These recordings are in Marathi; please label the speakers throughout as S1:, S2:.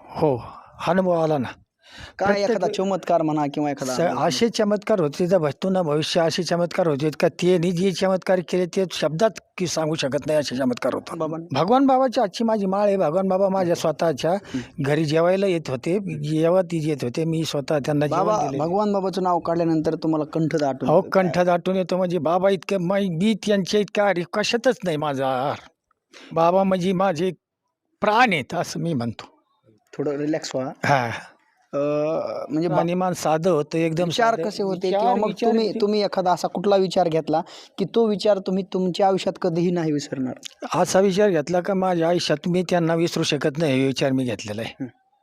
S1: हो, अनुभव आला ना.
S2: काय एखादा चमत्कार म्हणा किंवा एखादा
S1: असे चमत्कार होते तर भविष्य ना भविष्य असे चमत्कार होते का ते जे चमत्कार केले ते शब्दात की सांगू शकत नाही असे चमत्कार होतात. भगवान बाबाची आजची माझी माळ आहे. भगवान बाबा माझ्या स्वतःच्या घरी जेवायला येत होते. जेव्हा ती येत होते मी स्वतः त्यांना
S2: बाबा
S1: जेवण दिले.
S2: भगवान बाबाचं नाव काढल्यानंतर तुम्हाला कंठ दाटून
S1: अहो कंठ दाटून येतो म्हणजे बाबा इतकं मी त्यांच्या इतका कशातच नाही माझा आहार. बाबा म्हणजे माझे प्राण आहेत असं मी म्हणतो.
S2: थोडं रिलॅक्स व्हा.
S1: हा
S2: म्हणजे
S1: राहणीमान साधं होतं एकदम.
S2: विचार
S1: साधं.
S2: कसे होते
S1: विचार-
S2: किंवा मग
S1: विचार
S2: तुम्ही
S1: किती-
S2: तुम्ही एखादा असा कुठला विचार घेतला की तो विचार तुम्ही तुमच्या आयुष्यात कधीही नाही विसरणार?
S1: असा विचार घेतला का माझ्या आयुष्यात मी त्यांना विसरू शकत नाही हे विचार मी घेतलेला आहे.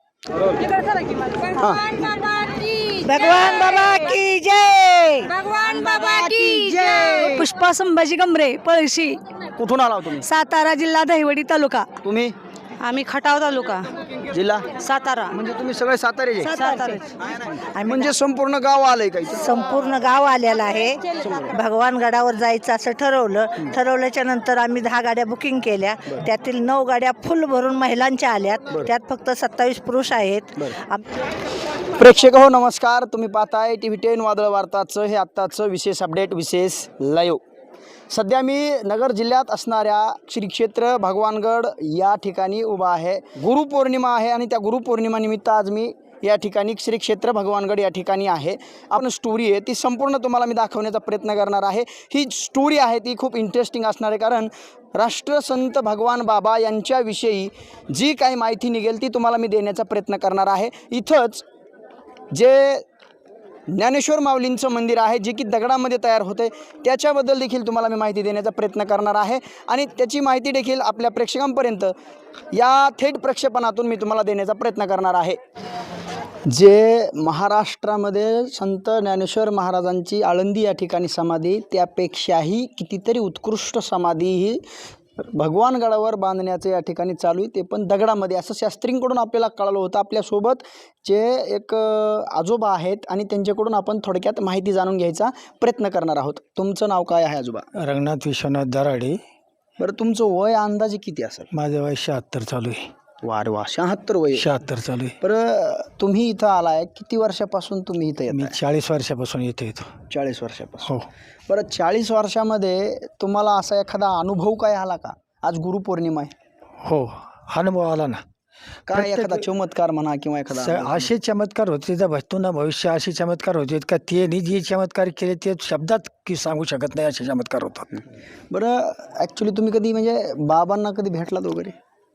S3: भगवान बाबा की जय. भगवान बाबा की जय. पुष्पा संभाजी गमरे पळशी,
S2: कुठून आला हो तुम्ही?
S3: सातारा जिल्हा, दहिवडी तालुका.
S2: तुम्ही
S3: आम्ही खटाव तालुका,
S2: जिल्हा
S3: सातारा.
S2: म्हणजे तुम्ही सगळे सातारे
S3: सातारा.
S2: म्हणजे संपूर्ण गाव आलंय का इथं?
S3: संपूर्ण गाव आलेलं आहे. भगवान गडावर जायचं असं ठरवल्याच्या नंतर आम्ही 10 गाड्या बुकिंग केल्या. त्यातील 9 गाड्या फुल भरून महिलांच्या आल्यात. त्यात फक्त 27 पुरुष आहेत.
S2: प्रेक्षक हो नमस्कार, तुम्ही पाहताय TV10 वादळ वार्ताचं हे आत्ताचं विशेष अपडेट, विशेष लाईव्ह. सध्या मी नगर जिल्ह्यात असणाऱ्या श्री क्षेत्र भगवानगड या ठिकाणी उभा आहे. गुरुपौर्णिमा आहे आणि त्या गुरुपौर्णिमा निमित्त आज मी या ठिकाणी श्री क्षेत्र भगवानगड या ठिकाणी आहे. आपण स्टोरी आहे ती संपूर्ण तुम्हाला मी दाखवण्याचा प्रयत्न करणार आहे. ही स्टोरी आहे ती खूप इंटरेस्टिंग असणार आहे, कारण राष्ट्रसंत भगवान बाबा यांच्याविषयी जी काही माहिती निघेल ती तुम्हाला मी देण्याचा प्रयत्न करणार आहे. इथंच जे ज्ञानेश्वर माऊलींचं मंदिर आहे जे की दगडामध्ये तयार होते त्याच्याबद्दल देखील तुम्हाला मी माहिती देण्याचा प्रयत्न करणार आहे आणि त्याची माहिती देखील आपल्या प्रेक्षकांपर्यंत या थेट प्रक्षेपणातून मी तुम्हाला देण्याचा प्रयत्न करणार आहे. जे महाराष्ट्रामध्ये संत ज्ञानेश्वर महाराजांची आळंदी या ठिकाणी समाधी, त्यापेक्षाही कितीतरी उत्कृष्ट समाधी ही भगवानगडावर बांधण्याचं या ठिकाणी चालू आहे, ते पण दगडामध्ये, असं शास्त्रींकडून आपल्याला कळालं होतं. आपल्यासोबत जे एक आजोबा आहेत आणि त्यांच्याकडून आपण थोडक्यात माहिती जाणून घ्यायचा प्रयत्न करणार आहोत. तुमचं नाव काय आहे आजोबा?
S1: रंगनाथ विश्वनाथ दराडे.
S2: बरं, तुमचं वय अंदाजे किती असेल?
S1: माझं वय 76 चालू आहे.
S2: वारे वा, 76 वय.
S1: 76 चालू आहे.
S2: बरं, तुम्ही इथं आलाय, किती वर्षापासून तुम्ही इथं
S1: मी
S2: येताय?
S1: 40 वर्षापासून इथे येतो.
S2: 40 वर्षापासून.
S1: हो.
S2: बरं, 40 वर्षामध्ये तुम्हाला असा एखादा अनुभव काय आला का? आज गुरुपौर्णिमा आहे.
S1: हो, अनुभव आला ना.
S2: काय एखादा चमत्कार म्हणा किंवा एखादा
S1: असे चमत्कार होते तर भविष्य ना भविष्य असे चमत्कार होते का ते जे चमत्कार केले ते शब्दात की सांगू शकत नाही असे चमत्कार होतात.
S2: बरं, ॲक्च्युली तुम्ही कधी म्हणजे बाबांना कधी भेटलात वगैरे?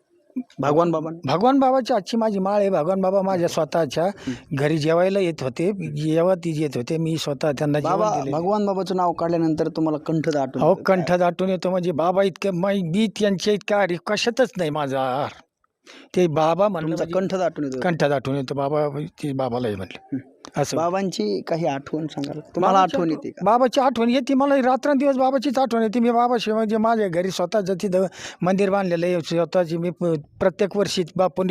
S2: भगवान
S1: बाबाची आजची माझी माळ आहे. भगवान बाबा माझ्या स्वतःच्या घरी जेवायला येत होते. जेव्हा ती येत होते मी स्वतः त्यांना जेवण दिले.
S2: भगवान बाबाचं नाव काढल्यानंतर तुम्हाला कंठ दाटून
S1: अहो कंठ दाटून येतो म्हणजे बाबा इतकं मी त्यांच्या इतका कशातच नाही माझा आहार. ते बाबा म्हणलं
S2: कंठ दाटून येतो.
S1: कंठ दाटून येतो बाबा. ते बाबालाही म्हणलं असं.
S2: बाबांची काही आठवण सांगाल? तुम्हाला आठवण येते का?
S1: बाबाची आठवण येते मला रात्रंदिवस. बाबाचीच आठवण येते. मी बाबाशिवाय म्हणजे माझ्या घरी स्वतःचं तिथं मंदिर बांधलेलं आहे स्वतःची. मी प्रत्येक वर्षी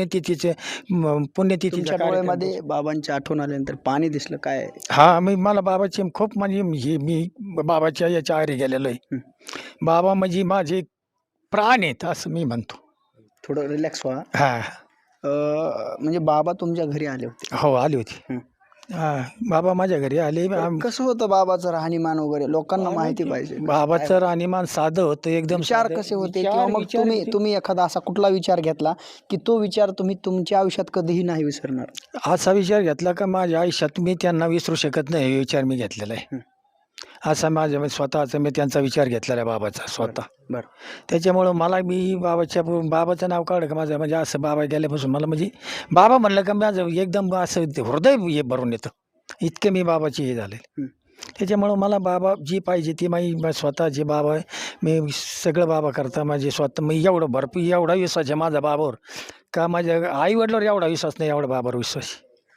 S1: पुण्यतिथीच्या
S2: डोळ्यामध्ये बाबांची आठवण आल्यानंतर पाणी दिसलं काय?
S1: हा, मला बाबाची खूप म्हणजे मी बाबाच्या याच्या आरी गेलेलो आहे. बाबा म्हणजे माझे प्राण आहेत असं मी म्हणतो.
S2: थोडं रिलॅक्स व्हा.
S1: हा,
S2: म्हणजे बाबा तुमच्या घरी आले होते?
S1: हो, आली होती. हा, बाबा माझ्या घरी आले.
S2: कसं होतं बाबाचं राहणीमान वगैरे? लोकांना माहिती पाहिजे.
S1: बाबाचं राहणीमान साधं होतं एकदम.
S2: विचार कसे होते किंवा मग तुम्ही एखादा असा कुठला विचार घेतला की तो विचार तुम्ही तुमच्या आयुष्यात कधीही नाही विसरणार?
S1: असा विचार घेतला का माझ्या आयुष्यात मी त्यांना विसरू शकत नाही हे विचार मी घेतलेला आहे. असा माझ्या स्वतःचा मी त्यांचा विचार घेतलेला आहे बाबाचा स्वतः.
S2: बरं,
S1: त्याच्यामुळं मला मी बाबाचं नाव काढलं का माझं म्हणजे असं बाबा गेल्यापासून मला म्हणजे बाबा म्हणलं का माझं एकदम असं हृदय हे भरून येतं. इतके मी बाबाची हे झाले. त्याच्यामुळं मला बाबा जी पाहिजे ती माझी स्वतःचे बाबा आहे. मी सगळं बाबा करता माझे स्वतः. मी एवढं भरपूर एवढा विश्वास आहे माझा बाबावर का माझ्या आई वडिलांवर एवढा विश्वास नाही एवढा बाबावर विश्वास.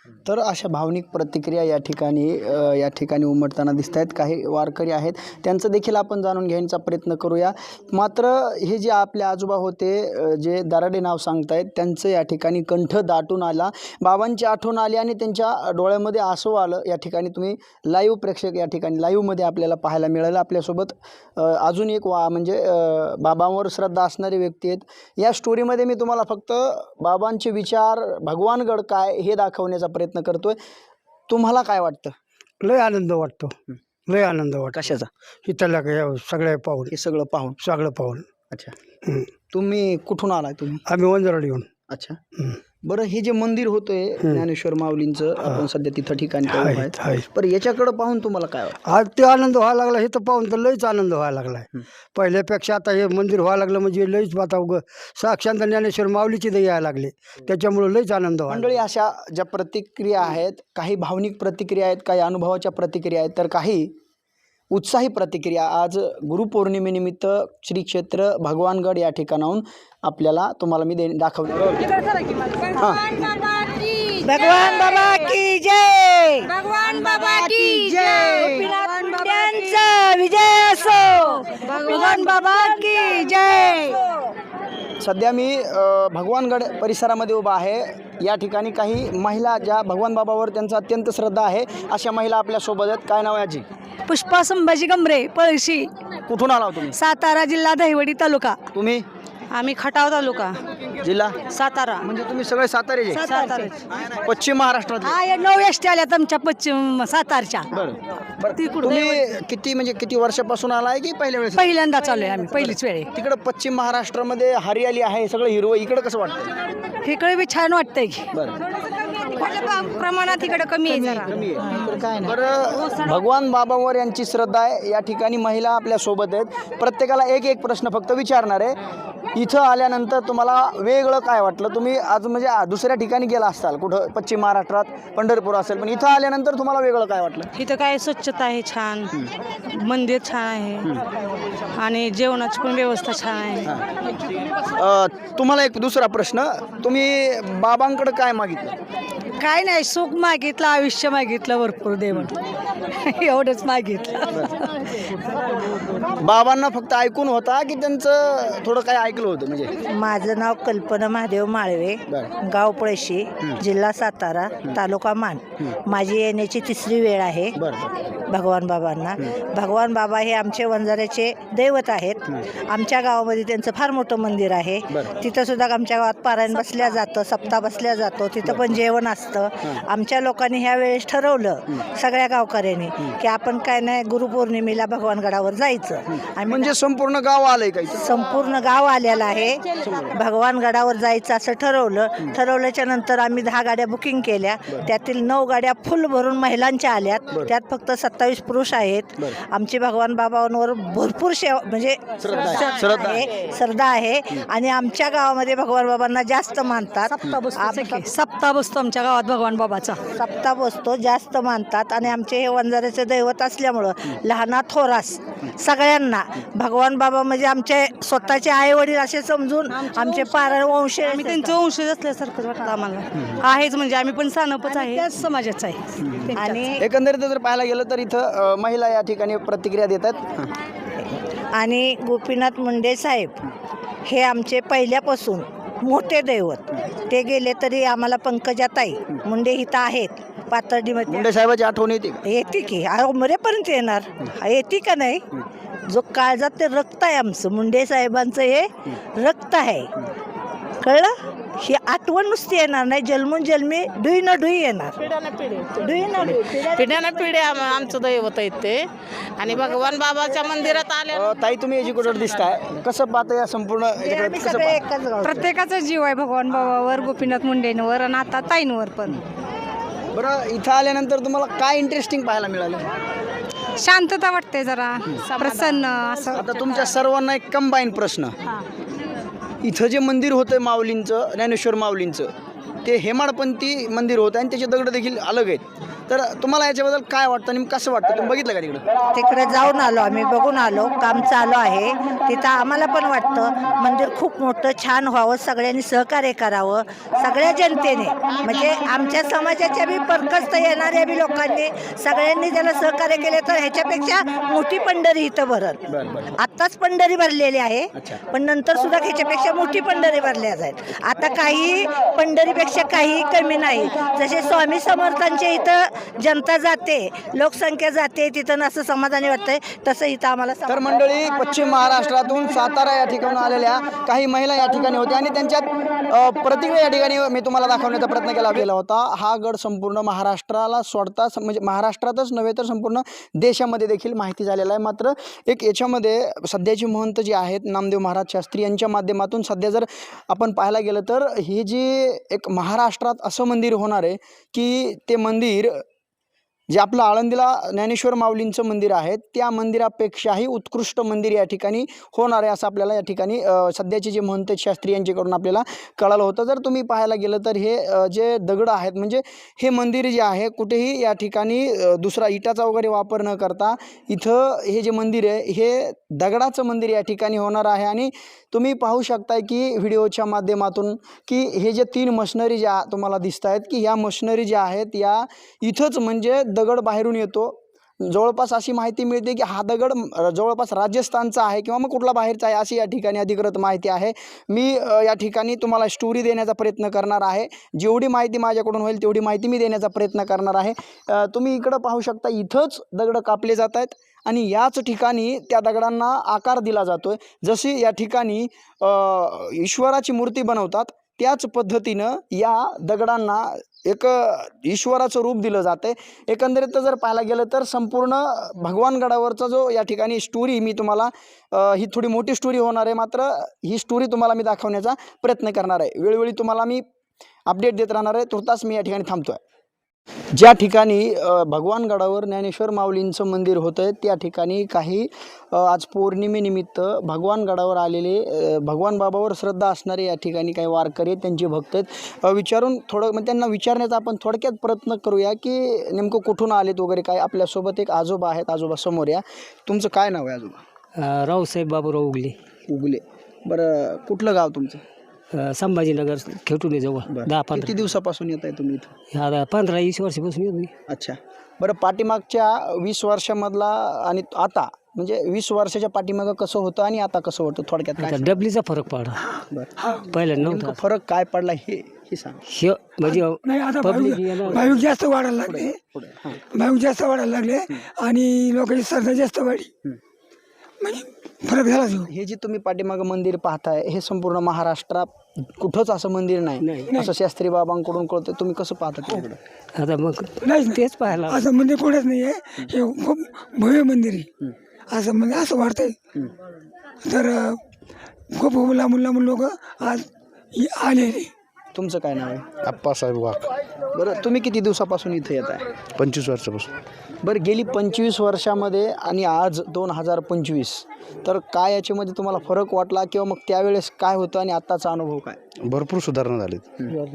S2: तर अशा भावनिक प्रतिक्रिया या ठिकाणी उमटताना दिसत आहेत. काही वारकरी आहेत, त्यांचं देखील आपण जाणून घ्यायचा प्रयत्न करूया. मात्र हे जे आपले आजोबा होते, जे दराडे नाव सांगतायत, त्यांचं या ठिकाणी कंठ दाटून आला, बाबांची आठवण आली आणि त्यांच्या डोळ्यामध्ये आसू आलं. या ठिकाणी तुम्ही लाईव्ह प्रेक्षक या ठिकाणी लाईव्हमध्ये आपल्याला पाहायला मिळालं. आपल्यासोबत अजून एक म्हणजे बाबांवर श्रद्धा असणारी व्यक्ती आहेत. या स्टोरीमध्ये मी तुम्हाला फक्त बाबांचे विचार, भगवानगड काय हे दाखवण्याचा प्रयत्न करतोय. तुम्हाला काय वाटतं?
S4: लय आनंद वाटतो, लय आनंद वाटतो.
S2: कशाचा?
S4: इथल्या सगळ्या पाहून,
S2: हे सगळं पाहून. अच्छा, तुम्ही कुठून आलाय? तुम्ही?
S4: आम्ही वंजारवाडी येऊन.
S2: अच्छा, बरं, हे जे मंदिर होतंय ज्ञानेश्वर माऊलींचं, आपण सध्या तिथं ठिकाणी आहे, पण याच्याकडे पाहून तुम्हाला काय वाटतं?
S4: आज ते आनंद व्हायला लागला, हे तर पाहून तर लयच आनंद व्हायला लागलाय. पहिल्यापेक्षा आता हे मंदिर व्हायला लागलं म्हणजे लयच आता साक्षात ज्ञानेश्वर माऊलीची दया यायला लागले, त्याच्यामुळे लयच आनंद व्हायला.
S2: मंडळी, अशा ज्या प्रतिक्रिया आहेत, काही भावनिक प्रतिक्रिया आहेत, काही अनुभवाच्या प्रतिक्रिया आहेत, तर काही उत्साही प्रतिक्रिया आज गुरुपौर्णिमेनिमित्त श्री क्षेत्र भगवानगड या ठिकाणाहून आपल्याला तुम्हाला मी दाखवतो.
S3: भगवान बाबा की जय,
S5: भगवान बाबा की जय,
S3: त्यांचा विजय असो, भगवान बाबा की जय.
S2: सध्या मी भगवानगड परिसरामध्ये उभा आहे. या ठिकाणी काही महिला ज्या भगवान बाबावर त्यांचा अत्यंत श्रद्धा आहे, अशा महिला आपल्यासोबत आहेत. काय नाव आहे आजी?
S5: पुष्पा संभाजी गमरे, पळशी,
S2: कुठून आला तुम्ही?
S5: सातारा जिल्हा, दहिवडी तालुका.
S2: तुम्ही?
S5: आम्ही खटाव तालुका,
S2: जिल्हा
S5: सातारा.
S2: म्हणजे तुम्ही सगळे सातारेचे?
S5: सातारा.
S2: पश्चिम महाराष्ट्रात?
S5: हा, 9 एसटी आल्यात आमच्या पश्चिम सातारच्या.
S2: तुम्ही किती वर्षापासून आलाय की पहिल्या वेळेस?
S5: पहिल्यांदा चालू आहे आम्ही, पहिलीच वेळ.
S2: तिकडे पश्चिम महाराष्ट्रामध्ये हरियाली आहे, सगळं हिरवं, इकडे कसं वाटतं?
S5: इकडे बी छान वाटतंय की
S2: बरं,
S5: प्रमाणात इकडे कमी आहे जरा.
S2: कमी आहे. बरं, भगवान बाबावर यांची श्रद्धा आहे. या ठिकाणी महिला आपल्या सोबत आहेत. प्रत्येकाला एक प्रश्न फक्त विचारणार आहे. इथं आल्यानंतर तुम्हाला वेगळं काय वाटलं? तुम्ही आज म्हणजे दुसऱ्या ठिकाणी गेला असताल, कुठं पश्चिम महाराष्ट्रात पंढरपूर असेल, पण इथं आल्यानंतर तुम्हाला वेगळं काय वाटलं?
S5: इथं काय स्वच्छता आहे, छान मंदिर छान आहे आणि जेवणाची पण व्यवस्था छान आहे.
S2: तुम्हाला एक दुसरा प्रश्न, तुम्ही बाबांकडे काय मागितलं?
S5: काय नाही, सुख मागितलं, आयुष्य मागितलं, भरपूर देवण एवढंच मागितलं.
S2: बाबांना फक्त ऐकून होता की त्यांचं थोडं काय ऐकलं होतं? म्हणजे
S3: माझं नाव कल्पना महादेव माळवे, गाव पळशी, जिल्हा सातारा, तालुका मान. माझी येण्याची 3री वेळ आहे भगवान बाबांना. भगवान बाबा हे आमचे वंजाऱ्याचे दैवत आहेत. आमच्या गावामध्ये त्यांचं फार मोठं मंदिर आहे. तिथं सुद्धा आमच्या गावात पारायण बसल्या जातं, सप्ताह बसल्या जातो, तिथं पण जेवण असतं. आमच्या लोकांनी ह्या वेळेस ठरवलं, सगळ्या गावकऱ्यांनी, की आपण काय नाही, गुरुपौर्णिमेला भगवानगडावर जायचं.
S2: म्हणजे संपूर्ण गाव आलंय काही?
S3: संपूर्ण गाव आलेलं आहे. भगवानगडावर जायचं असं ठरवल्याच्या नंतर आम्ही 10 गाड्या बुकिंग केल्या. त्यातील 9 गाड्या फुल भरून महिलांच्या आल्यात. त्यात फक्त 27 पुरुष आहेत. आमची भगवान बाबांवर भरपूर म्हणजे श्रद्धा आहे आणि आमच्या गावामध्ये भगवान बाबांना जास्त मानतात.
S5: सप्ताह बसतो आमच्या गावात भगवान बाबाचा.
S3: सप्ताह बसतो, जास्त मानतात. आणि आमचे हे वंजाऱ्याचे दैवत असल्यामुळं लहाना थोरास सगळ्यांना भगवान बाबा म्हणजे आमचे स्वतःचे आई वडील असे समजून आमचे पारण वंश,
S5: आम्ही त्यांचं वंशज असल्यासारखं वाटतं आम्हाला. आहेच म्हणजे आम्ही पण सानपच आहे, त्याच समाजाच आहे.
S3: आणि
S2: एकंदरीत जर पाहायला गेलं तर इथं महिला या ठिकाणी प्रतिक्रिया देतात.
S3: आणि गोपीनाथ मुंडे साहेब हे आमचे पहिल्यापासून मोठे दैवत. ते गेले तरी आम्हाला पंकजाताई मुंडे इथं आहेत पातर्डीमध्ये.
S2: मुंडे साहेबाची आठवण येते?
S3: येते की, मरेपर्यंत येणार. येते का नाही? जो काळजात ते रक्त आहे आमचं, मुंडे साहेबांचं हे रक्त आहे, कळलं? ही आठवण नुसती येणार नाही, जन्मून जन्मी ढुई न ढुई येणार.
S6: पिढ्यानं पिढ्या आमचं दैवत आहे ते. आणि भगवान बाबाच्या मंदिरात आले.
S2: ताई, तुम्ही एज्युकेटेड दिसताय, कसं पाहता या संपूर्ण?
S5: प्रत्येकाचा जीव आहे भगवान बाबावर, गोपीनाथ मुंडेंवर आणि आता ताईंवर पण.
S2: बरं, इथं आल्यानंतर तुम्हाला काय इंटरेस्टिंग पाहायला मिळालं?
S5: शांतता वाटते, जरा प्रसन्न असं.
S2: आता तुमच्या सर्वांना एक कंबाईन प्रश्न, इथं जे मंदिर होतं माऊलींचं, ज्ञानेश्वर माऊलींचं, ते हेमाडपंथी मंदिर होतं आणि त्याचे दगड देखील अलग आहेत. तर तुम्हाला याच्याबद्दल काय वाटतं आणि कसं वाटतं, तुम्ही बघितलं का तिकडं?
S3: तिकडे जाऊन आलो आम्ही, बघून आलो, काम चालू आहे तिथं. आम्हाला पण वाटतं मंदिर खूप मोठं छान व्हावं, सगळ्यांनी सहकार्य करावं, सगळ्या जनतेने, म्हणजे आमच्या समाजाच्या बी परकस्त येणाऱ्या बी लोकांनी सगळ्यांनी त्याला सहकार्य केले तर ह्याच्यापेक्षा मोठी पंढरी इथं भरत. आत्ताच पंढरी भरलेली आहे, पण नंतर सुद्धा ह्याच्यापेक्षा मोठी पंढरी भरल्या जाईल. आता काही पंढरीपेक्षा काही कमी नाही. जसे स्वामी समर्थांच्या इथं जनता जाते, लोकसंख्या जाते तिथं, असं समाधानी वाटतंय, तसं इथं आम्हाला
S2: तर मंडळी, पश्चिम महाराष्ट्रातून सातारा या ठिकाणी आलेल्या काही महिला या ठिकाणी होत्या आणि त्यांच्यात प्रतिक्रिया या ठिकाणी मी तुम्हाला दाखवण्याचा प्रयत्न केला होता. हा गड संपूर्ण महाराष्ट्राला सोडता, म्हणजे महाराष्ट्रातच नव्हे तर संपूर्ण देशामध्ये देखील माहिती झालेला आहे. मात्र एक याच्यामध्ये सध्याचे महंत जे आहेत नामदेव महाराज शास्त्री यांच्या माध्यमातून सध्या जर आपण पाहायला गेलं तर हे जे एक महाराष्ट्रात असं मंदिर होणार आहे की ते मंदिर जे आपलं आळंदीला ज्ञानेश्वर माऊलींचं मंदिर आहे त्या मंदिरापेक्षाही उत्कृष्ट मंदिर या ठिकाणी होणार आहे, असं आपल्याला या ठिकाणी सध्याचे जे महंत शास्त्री यांच्याकडून आपल्याला कळालं होतं. जर तुम्ही पाहायला गेलं तर हे जे दगड आहेत, म्हणजे हे मंदिर जे आहे कुठेही या ठिकाणी दुसरा इटाचा वगैरे वापर न करता इथं हे जे मंदिर आहे हे दगडाचं मंदिर या ठिकाणी होणार आहे. आणि तुम्ही पाहू शकताय की व्हिडिओच्या माध्यमातून की हे जे 3 मशनरी ज्या तुम्हाला दिसत आहेत की ह्या मशनरी ज्या आहेत या इथंच म्हणजे दगड बाहेरून येतो. जवळपास अशी माहिती मिळते की हा दगड जवळपास राजस्थानचा आहे किंवा मग कुठला बाहेरचा आहे अशी या ठिकाणी अधिकृत माहिती आहे. मी या ठिकाणी तुम्हाला स्टोरी देण्याचा प्रयत्न करणार आहे. जेवढी माहिती माझ्याकडून होईल तेवढी माहिती मी देण्याचा प्रयत्न करणार आहे. तुम्ही इकडं पाहू शकता, इथंच दगड कापले जात आहेत आणि याच ठिकाणी त्या दगडांना आकार दिला जातोय. जशी या ठिकाणी ईश्वराची मूर्ती बनवतात त्याच पद्धतीनं या दगडांना एक ईश्वराचं रूप दिलं जाते. एकंदरीत जर पाहायला गेलं तर संपूर्ण भगवानगडावरचा जो या ठिकाणी स्टोरी मी तुम्हाला ही थोडी मोठी स्टोरी होणार आहे, मात्र ही स्टोरी तुम्हाला मी दाखवण्याचा प्रयत्न करणार आहे. वेळोवेळी तुम्हाला मी अपडेट देत राहणार आहे. तुर्तास मी या ठिकाणी थांबतो आहे. ज्या ठिकाणी भगवानगडावर ज्ञानेश्वर माऊलींचं मंदिर होतं त्या ठिकाणी काही आज पौर्णिमेनिमित्त भगवानगडावर आलेले भगवान बाबावर श्रद्धा असणारे या ठिकाणी काही वारकरी आहेत, त्यांचे भक्त आहेत. विचारून थोडं म्हणजे त्यांना विचारण्याचा आपण थोडक्यात प्रयत्न करूया की नेमकं कुठून आलेत वगैरे काय. आपल्यासोबत एक आजोबा आहेत. आजोबा समोर या. तुमचं काय नाव आहे आजोबा?
S7: रावसाहेब बाबूराव उगले.
S2: उगले. बरं, कुठलं गाव तुमचं?
S7: संभाजीनगर खेटून जवळ. 10-15
S2: किती दिवसापासून येत आहे तुम्ही इथं?
S7: 15-20 वर्षापासून येतो मी.
S2: अच्छा. बरं, पाठीमागच्या 20 वर्षामधला आणि आता म्हणजे 20 वर्षाच्या पाठीमागं कसं होतं आणि आता कसं होतं थोडक्यात काय?
S7: आता डबलीचा फरक पडला.
S2: बरं,
S7: पहिल्या
S2: नेमकं
S7: नव्हता.
S2: फरक काय पडला हे सांग.
S7: हे म्हणजे
S1: नाही, आता
S7: पब्लिक
S1: भाविक जास्त वाढायला लागले. भाविक जास्त वाढायला लागले आणि लोकांची श्रद्धा जास्त वाढली, म्हणजे फरक झाला.
S2: हे जे तुम्ही पाठीमागं मंदिर पाहताय हे संपूर्ण महाराष्ट्रात कुठंच असं मंदिर नाही असं शास्त्री बाबांकडून कळतं. तुम्ही कसं पाहता तिकडं?
S7: आता मग
S1: नाही,
S7: तेच पाहायला
S1: असं मंदिर कोणच नाही आहे. हे खूप भव्य मंदिर आहे. असं म्हणजे असं वाटतंय. तर खूप लांबून लोक आज आलेले.
S2: तुमचं काय नाव आहे?
S8: आप्पासाहेब वाघ.
S2: बरं, तुम्ही किती दिवसापासून इथं येत आहे?
S8: 25 वर्षापासून.
S2: बरं, गेली 25 वर्षामध्ये आणि आज 2025 तर काय याच्यामध्ये तुम्हाला फरक वाटला किंवा मग त्यावेळेस काय होतं आणि आत्ताचा अनुभव काय?
S8: भरपूर सुधारणा झालीत.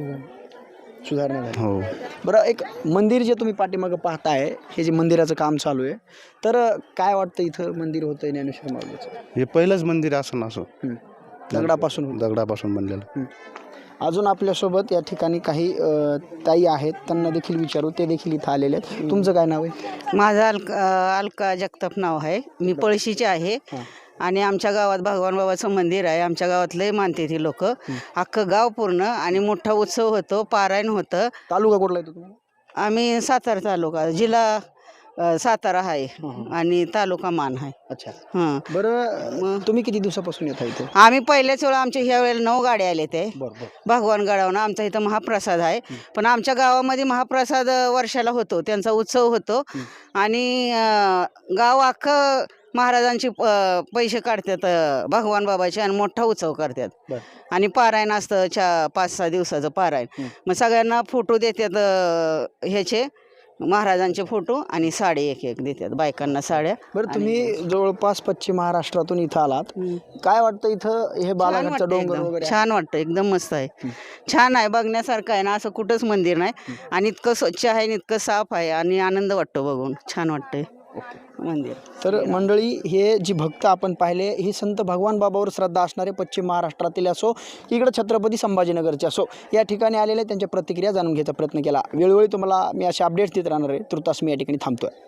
S2: सुधारणा झाली.
S8: हो.
S2: बरं, एक मंदिर जे तुम्ही पाठीमागं पाहताय हे जे मंदिराचं काम चालू आहे, तर काय वाटतं इथं मंदिर होतं ज्ञानेश्वर माऊलीचं?
S8: हे पहिलंच मंदिर असं असं
S2: दगडापासून.
S8: दगडापासून बनलेलं.
S2: अजून आपल्यासोबत या ठिकाणी काही ताई आहेत, त्यांना देखील विचारू, ते देखील इथं आलेले आहेत. तुमचं काय नाव आहे?
S9: माझं अलका जगताप नाव आहे. मी पळशीचे आहे आणि आमच्या गावात भगवान बाबाचं मंदिर आहे. आमच्या गावात लय मानते ती लोक. अख्खं गाव पूर्ण आणि मोठा उत्सव होतो, पारायण होतं.
S2: तालुका कुठला येतो तुम्हाला?
S9: आम्ही सातारा तालुका, जिल्हा सातारा आहे आणि तालुका मान आहे.
S2: अच्छा.
S9: हां.
S2: बरं, तुम्ही किती दिवसापासून येत आहे इथे?
S9: आम्ही पहिल्याच वेळा आमच्या ह्या वेळेला 9 गाड्या आले ते
S2: बरं.
S9: भगवान गडावरून. आमचा इथं महाप्रसाद आहे, पण आमच्या गावामध्ये महाप्रसाद वर्षाला होतो, त्यांचा उत्सव होतो आणि गाव अख्खं महाराजांची पैसे काढतात भगवान बाबाचे आणि मोठा उत्सव करतात. आणि पारायण असतं 5-6 दिवसाचं पारायण. मग सगळ्यांना फोटो देतात ह्याचे महाराजांचे फोटो आणि साडी एक एक देतात बायकांना साड्या.
S2: बरं तुम्ही जवळपास पश्चिम महाराष्ट्रातून इथं आलात, काय वाटतं इथं हे
S9: छान
S2: बालाघाटचं
S9: वाटतं
S2: डोंगर
S9: एकदम.
S2: वगैरे आहे?
S9: छान वाटतं एकदम मस्त आहे. छान आहे बघण्यासारखं आहे ना, असं कुठंच मंदिर नाही आणि इतकं स्वच्छ आहे आणि इतकं साफ आहे आणि आनंद वाटतो बघून. छान वाटतंय मंदिर.
S2: तर मंडळी, हे जी भक्त आपण पाहिले ही संत भगवान बाबावर श्रद्धा असणारे पश्चिम महाराष्ट्रातील असो इकडं छत्रपती संभाजीनगरचे असो या ठिकाणी आलेले त्यांच्या प्रतिक्रिया जाणून घ्यायचा प्रयत्न केला. वेळोवेळी तुम्हाला मी असे अपडेट्स देत राहणार आहे. तुर्तास मी या ठिकाणी थांबतोय.